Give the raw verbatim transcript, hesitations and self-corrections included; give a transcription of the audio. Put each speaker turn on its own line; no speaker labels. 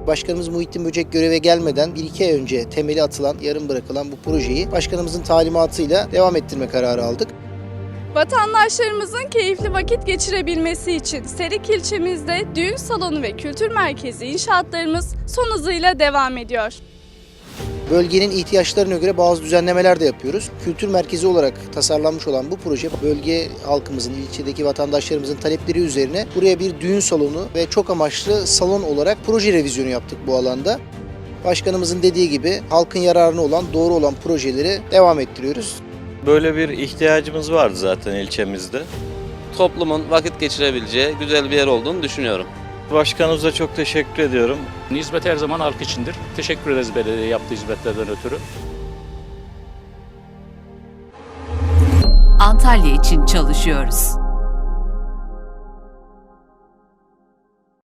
Başkanımız Muhittin Böcek göreve gelmeden bir iki ay önce temeli atılan, yarım bırakılan bu projeyi başkanımızın talimatıyla devam ettirme kararı aldık.
Vatandaşlarımızın keyifli vakit geçirebilmesi için Serik ilçemizde düğün salonu ve kültür merkezi inşaatlarımız son hızıyla devam ediyor.
Bölgenin ihtiyaçlarına göre bazı düzenlemeler de yapıyoruz. Kültür merkezi olarak tasarlanmış olan bu proje bölge halkımızın, ilçedeki vatandaşlarımızın talepleri üzerine buraya bir düğün salonu ve çok amaçlı salon olarak proje revizyonu yaptık bu alanda. Başkanımızın dediği gibi halkın yararına olan, doğru olan projeleri devam ettiriyoruz.
Böyle bir ihtiyacımız vardı zaten ilçemizde.
Toplumun vakit geçirebileceği güzel bir yer olduğunu düşünüyorum.
Başkanımıza çok teşekkür ediyorum.
Hizmet her zaman halk içindir. Teşekkür ederiz belediye yaptığı hizmetlerden ötürü.
Antalya için çalışıyoruz.